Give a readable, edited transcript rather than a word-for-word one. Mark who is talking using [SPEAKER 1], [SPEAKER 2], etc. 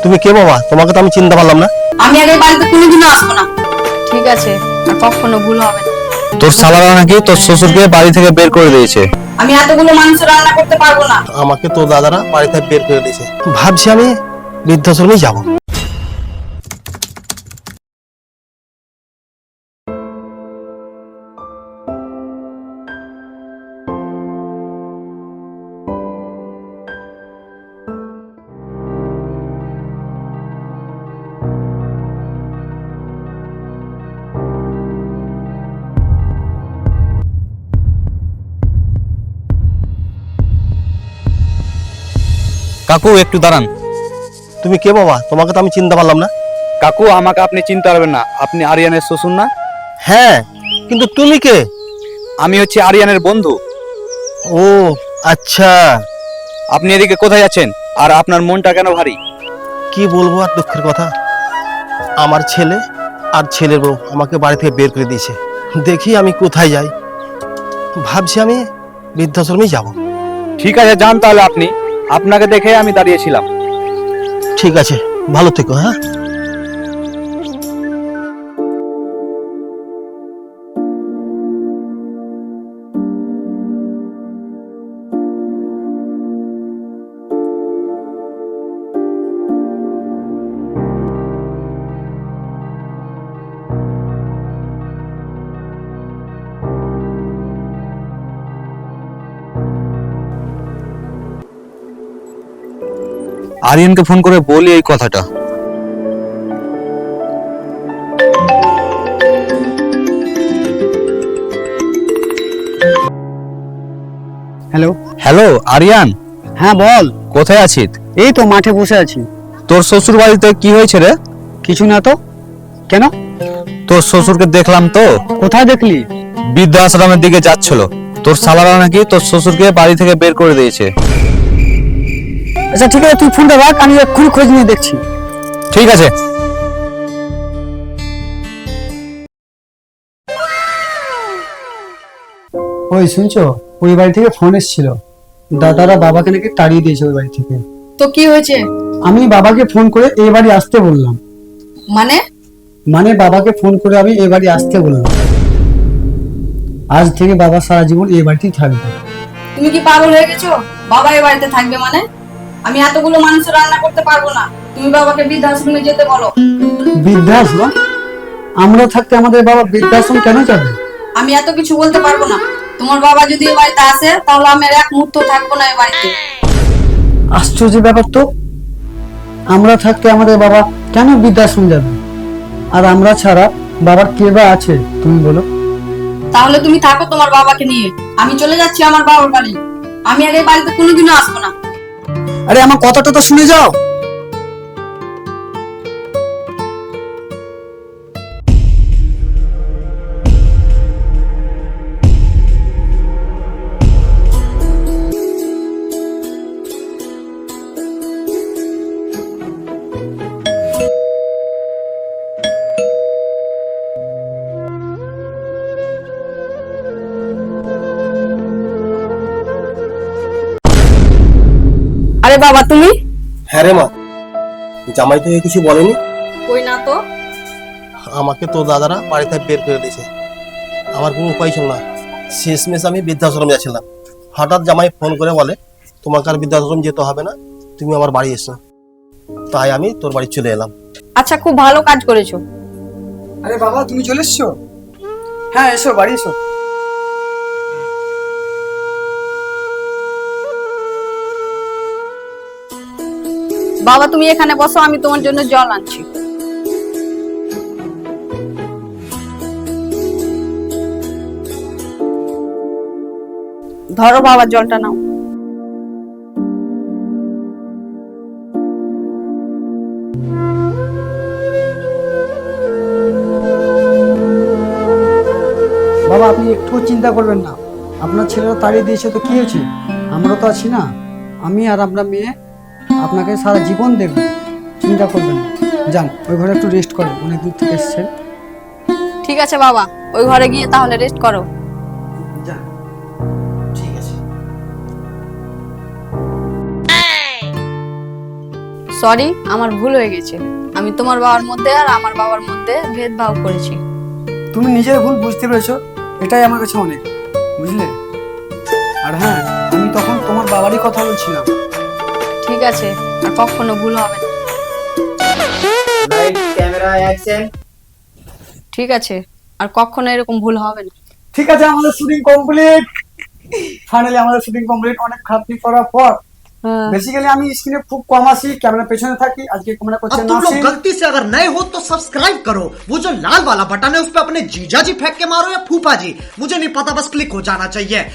[SPEAKER 1] তুমি কে বাবা? তোমাকে তো আমি চিনতে পারলাম না।
[SPEAKER 2] আমি আগে বাড়িতে কোনোদিনও আসবো না। ঠিক আছে, আর কখনো ভুল হবে না।
[SPEAKER 3] তোর শালারা নাকি তোর শ্বশুরকে বাড়ি থেকে বের করে দিয়েছে।
[SPEAKER 2] আমি এতগুলো মানুষ রান্না করতে পারবো না।
[SPEAKER 1] আমাকে তোর দাদারা বাড়ি থেকে বের করে দিয়েছে। ভাবছি আমি বৃদ্ধাশ্রমে যাব।
[SPEAKER 3] কাকু একটু দাঁড়ান।
[SPEAKER 1] তুমি কে বাবা? তোমাকে তো আমি চিনতে পারলাম না।
[SPEAKER 3] কাকু আমাকে আপনি চিনতে পারবেন না, আপনি আরিয়ানের শ্বশুর না?
[SPEAKER 1] হ্যাঁ, কিন্তু তুমি কে?
[SPEAKER 3] আমি হচ্ছে আরিয়ানের বন্ধু।
[SPEAKER 1] ও আচ্ছা।
[SPEAKER 3] আপনি এদিকে কোথায় আছেন, আর আপনার মনটা কেন ভারী?
[SPEAKER 1] কি বলবো আর দুঃখের কথা, আমার ছেলে আর ছেলের বউ আমাকে বাড়ি থেকে বের করে দিয়েছে। দেখি আমি কোথায় যাই। ভাবছি আমি বৃদ্ধাশ্রমেই যাব।
[SPEAKER 3] ঠিক আছে, যান তাহলে আপনি। আপনাকে দেখে আমি দাঁড়িয়েছিলাম।
[SPEAKER 1] ঠিক আছে, ভালো থেকো। হ্যাঁ,
[SPEAKER 3] আরিয়ানকে ফোন করে বলি এই কথাটা।
[SPEAKER 4] হ্যালো।
[SPEAKER 3] হ্যালো আরিয়ান,
[SPEAKER 4] হ্যাঁ বল।
[SPEAKER 3] কোথায় আছিস?
[SPEAKER 4] এই তো মাঠে বসে আছি।
[SPEAKER 3] তোর শ্বশুর বাড়িতে কি হয়েছে রে?
[SPEAKER 4] কিছু না তো। কেন?
[SPEAKER 3] তোর শ্বশুরকে দেখলাম তো,
[SPEAKER 4] কোথায় দেখলি?
[SPEAKER 3] বৃদ্ধাশ্রমের দিকে যাচ্ছিল। তোর শালারা নাকি তোর শ্বশুরকে বাড়ি থেকে বের করে দিয়েছে।
[SPEAKER 4] আচ্ছা ঠিক আছে, তুই ফোনটা রাখ, আমি এক্ষুনি খোঁজ নিয়ে দেখছি।
[SPEAKER 3] ঠিক আছে।
[SPEAKER 4] ওই শুনছো, ওই বাড়ি থেকে ফোন এসেছিল। দাদারা বাবাকে নাকি তাড়িয়ে দিয়েছে ওই বাড়ি থেকে।
[SPEAKER 2] তো কি হয়েছে?
[SPEAKER 4] আমি বাবাকে ফোন করে এই বাড়ি আসতে বললাম।
[SPEAKER 2] মানে?
[SPEAKER 4] মানে বাবাকে ফোন করে আমি এই বাড়ি আসতে বললাম। আজ থেকে বাবা সারা জীবন এই বাড়িতেই থাকবে।
[SPEAKER 2] তুমি কি পাগল হয়ে গেছো? বাবা এই বাড়িতে থাকবে মানে? আমি এতগুলো মানুষ রান্না করতে পারবো না। তুমি বাবাকে বৃদ্ধাশ্রমে যেতে বলো।
[SPEAKER 4] বৃদ্ধাশ্রম? আমরা থাকতে আমাদের বাবা বৃদ্ধাশ্রম কেন যাবে?
[SPEAKER 2] আমি এত কিছু বলতে পারবো না। তোমার বাবা যদি এই বাড়িতে আসে তাহলে আমি আর এক মুহূর্ত থাকবো না এই বাড়িতে।
[SPEAKER 4] আশ্চর্য ব্যাপার তো। আমরা থাকতে আমাদের বাবা কেন বৃদ্ধাশ্রম যাবে? আর আমরা ছাড়া বাবার কে বা আছে তুমি বলো?
[SPEAKER 2] তাহলে তুমি থাকো তোমার বাবাকে নিয়ে। আমি চলে যাচ্ছি আমার বাবার বাড়ি। আমি আর এই বাড়িতে কোনোদিনও আসবো না।
[SPEAKER 4] আরে আমার কথাটা তো শুনে যাও।
[SPEAKER 2] আরে বাবা তুমি?
[SPEAKER 1] হ্যাঁ রে মা, জামাই তো কিছু বলেনি।
[SPEAKER 2] কই না তো।
[SPEAKER 1] আমাকে তোর দাদারা বাড়ি থেকে বের করে দিয়েছে। আমার কোনো উপায় ছিল না। শেষমেশ আমি বৃদ্ধাশ্রম যাচ্ছিলাম। হঠাৎ জামাই ফোন করে বলে, তোমাকে আর বৃদ্ধাশ্রম যেতে হবে না, তুমি আমার বাড়ি এসো। তাই আমি তোর বাড়ি চলে এলাম।
[SPEAKER 2] আচ্ছা, খুব ভালো কাজ করেছো।
[SPEAKER 4] আরে বাবা তুমি চলে এসছো? হ্যাঁ এসো, বাড়ি এসো।
[SPEAKER 2] বাবা তুমি এখানে বসো, আমি তোমার জন্য জল আনছি। ধরো বাবা, জলটা নাও।
[SPEAKER 4] বাবা আপনি একটু চিন্তা করবেন না। আপনার ছেলেরা তাড়িয়ে দিয়েছে তো কি হয়েছে? আমরা তো আছি না। আমি আর আমরা মেয়ে আপনাকে সারা জীবন দেখব। চিন্তা করবেন না। যান ওই ঘরে একটু রেস্ট করেন, অনেক দূর থেকে এসেছেন।
[SPEAKER 2] ঠিক আছে বাবা, ওই ঘরে গিয়ে তাহলে রেস্ট করো।
[SPEAKER 4] যান।
[SPEAKER 1] ঠিক আছে।
[SPEAKER 2] সরি, আমার ভুল হয়ে গেছে। আমি তোমার বাবার মধ্যে আর আমার বাবার মধ্যে ভেদভাব করেছি।
[SPEAKER 4] তুমি নিজের ভুল বুঝতে পেরেছো, এটাই আমার কাছে অনেক, বুঝলে? আর হ্যাঁ, আমি তখন তোমার বাবারই কথা বলছিলাম।
[SPEAKER 2] ঠিক আছে, আর কখনো ভুল হবে না।
[SPEAKER 5] Light camera action.
[SPEAKER 2] ঠিক আছে, আর কখনো এরকম ভুল হবে না।
[SPEAKER 4] ঠিক আছে, আমাদের শুটিং কমপ্লিট। ফাইনালি আমাদের শুটিং কমপ্লিট, অনেক খাটনি করার পর।
[SPEAKER 2] হ্যাঁ।
[SPEAKER 4] বেসিক্যালি আমি স্ক্রিনে খুব কম আসি, ক্যামেরা পেছনে থাকি। আজকে ক্যামেরা করছে
[SPEAKER 6] अब तुम लोग
[SPEAKER 4] নাসির।
[SPEAKER 6] गलती से अगर नए हो तो सब्सक्राइब करो, वो जो लाल वाला बटन है उस पर अपने जीजा जी फेंक के मारो या फूफा जी, मुझे नहीं पता, बस क्लिक हो जाना चाहिए।